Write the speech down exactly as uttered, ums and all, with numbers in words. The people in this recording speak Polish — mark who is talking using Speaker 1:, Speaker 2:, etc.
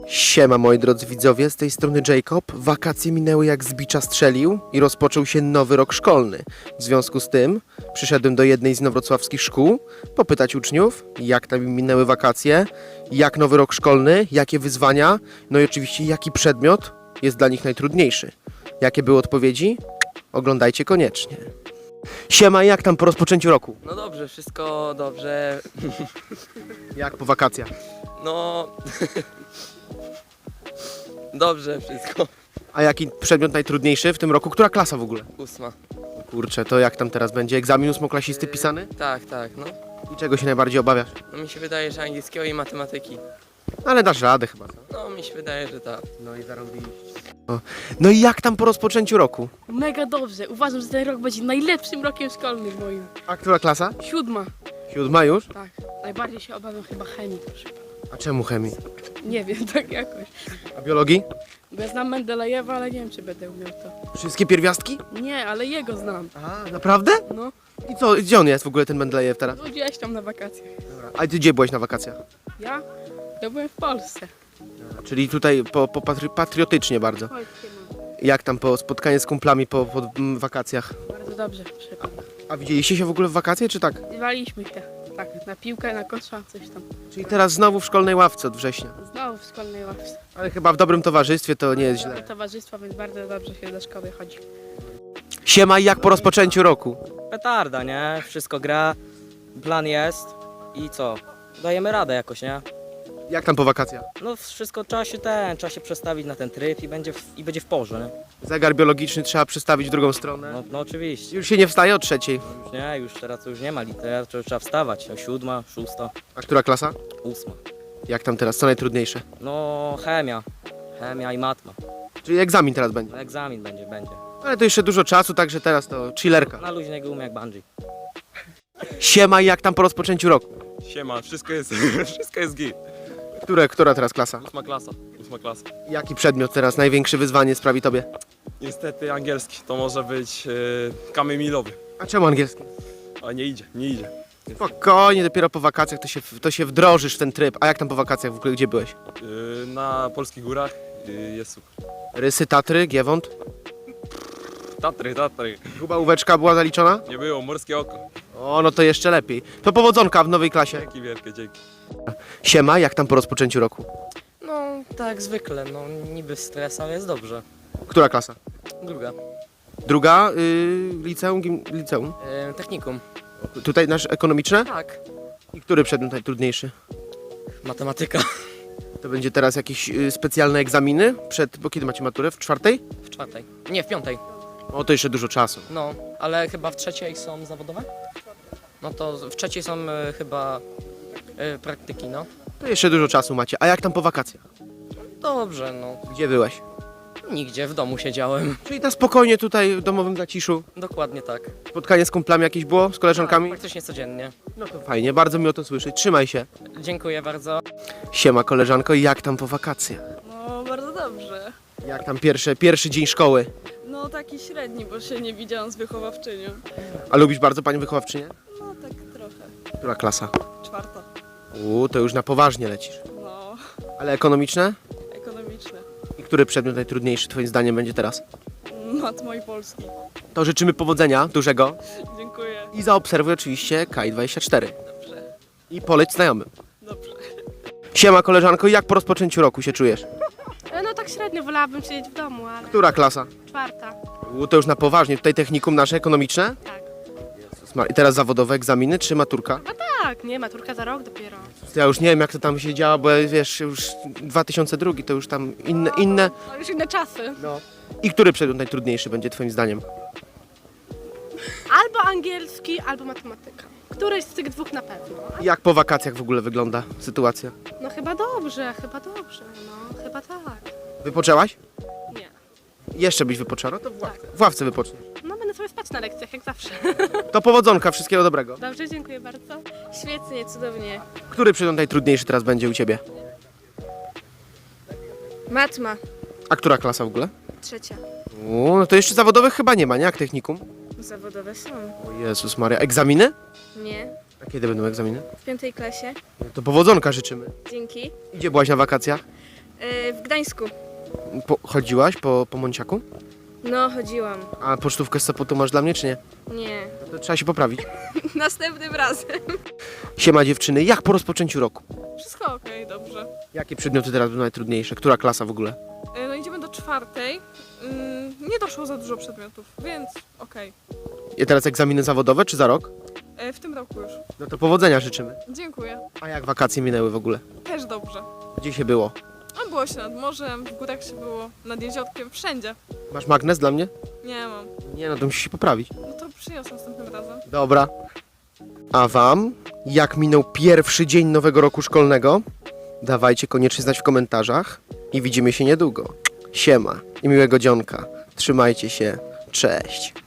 Speaker 1: Siema moi drodzy widzowie, z tej strony Jacob. Wakacje minęły jak z bicza strzelił i rozpoczął się nowy rok szkolny. W związku z tym przyszedłem do jednej z inowrocławskich szkół popytać uczniów, jak tam im minęły wakacje, jak nowy rok szkolny, jakie wyzwania, no i oczywiście jaki przedmiot jest dla nich najtrudniejszy. Jakie były odpowiedzi? Oglądajcie koniecznie. Siema, jak tam po rozpoczęciu roku?
Speaker 2: No dobrze, wszystko dobrze.
Speaker 1: Jak po wakacjach?
Speaker 2: No... dobrze wszystko.
Speaker 1: A jaki przedmiot najtrudniejszy w tym roku? Która klasa w ogóle?
Speaker 2: Ósma.
Speaker 1: Kurczę, to jak tam teraz będzie? Egzamin ósmoklasisty pisany?
Speaker 2: Tak, tak, no.
Speaker 1: I czego się najbardziej obawiasz?
Speaker 2: No mi się wydaje, że angielskiego i matematyki.
Speaker 1: Ale dasz radę chyba.
Speaker 2: No mi się wydaje, że tak.
Speaker 1: No i zarobiliście. No i jak tam po rozpoczęciu roku?
Speaker 3: Mega dobrze. Uważam, że ten rok będzie najlepszym rokiem szkolnym moim.
Speaker 1: A która klasa?
Speaker 3: Siódma.
Speaker 1: Siódma już?
Speaker 3: Tak. Najbardziej się obawiam chyba chemii, proszę pana.
Speaker 1: A czemu chemii?
Speaker 3: Nie wiem, tak jakoś.
Speaker 1: A biologii?
Speaker 3: Bo ja znam Mendelejewa, ale nie wiem, czy będę umiał to.
Speaker 1: Wszystkie pierwiastki?
Speaker 3: Nie, ale jego znam.
Speaker 1: A, naprawdę?
Speaker 3: No,
Speaker 1: I co, gdzie on jest w ogóle ten Mendelejew teraz?
Speaker 3: no gdzieś tam na wakacjach.
Speaker 1: A ty gdzie byłeś na wakacjach?
Speaker 3: Ja? Ja byłem w Polsce.
Speaker 1: Czyli tutaj po, po patri patriotycznie bardzo.
Speaker 3: Chodźcie, no.
Speaker 1: Jak tam po spotkanie z kumplami po, po mm, wakacjach?
Speaker 3: Bardzo dobrze, proszę pana.
Speaker 1: A widzieliście się w ogóle w wakacje, czy tak?
Speaker 3: Zwaliśmy się. Tak, na piłkę, na kosza, coś tam.
Speaker 1: Czyli teraz znowu w szkolnej ławce od września.
Speaker 3: Znowu w szkolnej ławce.
Speaker 1: Ale chyba w dobrym towarzystwie to nie jest
Speaker 3: Mamy
Speaker 1: źle.
Speaker 3: towarzystwo, więc bardzo dobrze się do szkoły chodzi.
Speaker 1: Siema, i jak po rozpoczęciu roku?
Speaker 4: Petarda, nie? Wszystko gra, plan jest i co? Dajemy radę jakoś, nie?
Speaker 1: Jak tam po wakacjach?
Speaker 4: No wszystko trzeba się ten, trzeba się przestawić na ten tryb i będzie w, i będzie w porze, nie?
Speaker 1: Zegar biologiczny trzeba przestawić w drugą stronę.
Speaker 4: No, no oczywiście.
Speaker 1: Już się nie wstaje o trzeciej.
Speaker 4: Już nie, już teraz to już nie ma litery, to trzeba wstawać. O siódma, szósta,
Speaker 1: A która klasa?
Speaker 4: ósma.
Speaker 1: Jak tam teraz? Co najtrudniejsze?
Speaker 4: No chemia, chemia i matma.
Speaker 1: Czyli egzamin teraz będzie.
Speaker 4: No, egzamin będzie, będzie.
Speaker 1: Ale to jeszcze dużo czasu, także teraz to chillerka.
Speaker 4: Na luźnej gumie jak bungee.
Speaker 1: Siema, i jak tam po rozpoczęciu roku?
Speaker 5: Siema, wszystko jest, wszystko jest git.
Speaker 1: Które, która teraz klasa?
Speaker 5: Ósma klasa, ósma klasa.
Speaker 1: Jaki przedmiot teraz największe wyzwanie sprawi tobie?
Speaker 5: Niestety angielski, to może być e, kamień milowy,
Speaker 1: A czemu angielski?
Speaker 5: a nie idzie, nie idzie.
Speaker 1: Spokojnie, dopiero po wakacjach to się, to się wdrożysz w ten tryb. A jak tam po wakacjach w ogóle, gdzie byłeś?
Speaker 5: E, na polskich górach e, jest super.
Speaker 1: Rysy, Tatry, Giewont?
Speaker 5: Tatry, Tatry,
Speaker 1: Gubałóweczka była zaliczona?
Speaker 5: nie było, morskie oko.
Speaker 1: O, no to jeszcze lepiej. To powodzonka w nowej klasie.
Speaker 5: Dzięki wielkie, dzięki.
Speaker 1: Siema, jak tam po rozpoczęciu roku?
Speaker 2: No tak zwykle, no niby stres, ale jest dobrze.
Speaker 1: Która klasa?
Speaker 2: Druga.
Speaker 1: Druga, yy, liceum, gim, liceum.
Speaker 2: E, technikum.
Speaker 1: Tutaj nasz ekonomiczne?
Speaker 2: Tak.
Speaker 1: I który przedmiot najtrudniejszy?
Speaker 2: Matematyka.
Speaker 1: To będzie teraz jakieś y, specjalne egzaminy przed, bo kiedy macie maturę? W czwartej?
Speaker 2: W czwartej. Nie, w piątej.
Speaker 1: O, to jeszcze dużo czasu.
Speaker 2: No, ale chyba w trzeciej są zawodowe? No to w trzeciej są e, chyba e, praktyki, no.
Speaker 1: To jeszcze dużo czasu macie. A jak tam po wakacjach?
Speaker 2: Dobrze, no.
Speaker 1: Gdzie byłeś?
Speaker 2: Nigdzie, w domu siedziałem.
Speaker 1: Czyli na spokojnie tutaj w domowym zaciszu.
Speaker 2: Dokładnie tak.
Speaker 1: Spotkanie z kumplami jakieś było? Z
Speaker 2: Tak,
Speaker 1: koleżankami?
Speaker 2: praktycznie codziennie.
Speaker 1: No to fajnie, bardzo mi o to słyszeć. Trzymaj się.
Speaker 2: Dziękuję bardzo.
Speaker 1: Siema koleżanko, jak tam po wakacjach?
Speaker 6: No, bardzo dobrze.
Speaker 1: Jak tam pierwsze, pierwszy dzień szkoły?
Speaker 6: No, taki średni, bo się nie widziałam z wychowawczynią.
Speaker 1: A lubisz bardzo panią wychowawczynię?
Speaker 6: No, tak trochę.
Speaker 1: Która klasa?
Speaker 6: Czwarta.
Speaker 1: Uuu, to już na poważnie lecisz.
Speaker 6: No,
Speaker 1: Ale ekonomiczne?
Speaker 6: ekonomiczne.
Speaker 1: I który przedmiot najtrudniejszy twoim zdaniem będzie teraz?
Speaker 6: Matmo i polski.
Speaker 1: To życzymy powodzenia dużego
Speaker 6: Dziękuję.
Speaker 1: i zaobserwuj oczywiście K I dwadzieścia cztery.
Speaker 6: Dobrze.
Speaker 1: I poleć znajomym.
Speaker 6: Dobrze.
Speaker 1: Siema koleżanko, jak po rozpoczęciu roku się czujesz?
Speaker 3: No tak średnio, wolałabym siedzieć w domu, ale...
Speaker 1: Która klasa?
Speaker 3: Czwarta.
Speaker 1: Uuu, to już na poważnie. Tutaj technikum nasze ekonomiczne?
Speaker 3: Tak.
Speaker 1: Jezus Maria. I teraz zawodowe egzaminy czy maturka?
Speaker 3: Tak, nie, maturka za rok dopiero.
Speaker 1: Ja już nie wiem jak to tam się działa, bo wiesz, już dwa tysiące drugi to już tam inne, inne.
Speaker 3: No już inne czasy.
Speaker 1: No. I który przedmiot najtrudniejszy będzie twoim zdaniem?
Speaker 3: Albo angielski, albo matematyka. Któryś z tych dwóch na pewno.
Speaker 1: Jak po wakacjach w ogóle wygląda sytuacja?
Speaker 3: No chyba dobrze, chyba dobrze, no chyba tak.
Speaker 1: Wypoczęłaś?
Speaker 3: Nie.
Speaker 1: Jeszcze byś wypoczęła? No to w ławce,
Speaker 3: Tak.
Speaker 1: w ławce wypoczniesz.
Speaker 3: No będę sobie spać na lekcjach, jak zawsze.
Speaker 1: To powodzonka, wszystkiego dobrego.
Speaker 3: Dobrze, dziękuję bardzo. Świetnie, cudownie.
Speaker 1: Który przedmiot najtrudniejszy teraz będzie u ciebie?
Speaker 3: Matma,
Speaker 1: A która klasa w ogóle?
Speaker 3: trzecia.
Speaker 1: Uuu, no to jeszcze zawodowych chyba nie ma, nie? Jak technikum?
Speaker 3: Zawodowe są.
Speaker 1: O Jezus Maria. Egzaminy?
Speaker 3: Nie,
Speaker 1: A kiedy będą egzaminy?
Speaker 3: w piątej klasie.
Speaker 1: No to powodzonka życzymy.
Speaker 3: Dzięki.
Speaker 1: Gdzie byłaś na wakacjach?
Speaker 7: w Gdańsku.
Speaker 1: Po, chodziłaś po, po Monciaku?
Speaker 7: No, chodziłam.
Speaker 1: A pocztówkę z Sopotu masz dla mnie, czy nie?
Speaker 7: Nie.
Speaker 1: To trzeba się poprawić.
Speaker 7: Następnym razem.
Speaker 1: Siema dziewczyny, jak po rozpoczęciu roku?
Speaker 6: Wszystko okej, dobrze.
Speaker 1: Jakie przedmioty teraz będą najtrudniejsze? Która klasa w ogóle?
Speaker 6: E, No idziemy do czwartej. Ym, Nie doszło za dużo przedmiotów, więc okej.
Speaker 1: I teraz egzaminy zawodowe, czy za rok?
Speaker 6: E, W tym roku już.
Speaker 1: No to powodzenia życzymy.
Speaker 6: Dziękuję.
Speaker 1: A jak wakacje minęły w ogóle?
Speaker 6: Też dobrze.
Speaker 1: Gdzie się było?
Speaker 6: A było się nad morzem, w górach się było, nad jeziorkiem, wszędzie.
Speaker 1: Masz magnes dla mnie?
Speaker 6: Nie mam.
Speaker 1: Nie, no to musisz się poprawić.
Speaker 6: No to przyniosę następnym razem.
Speaker 1: Dobra. A wam? Jak minął pierwszy dzień nowego roku szkolnego? Dawajcie koniecznie znać w komentarzach i widzimy się niedługo. Siema i miłego dzionka. Trzymajcie się. Cześć.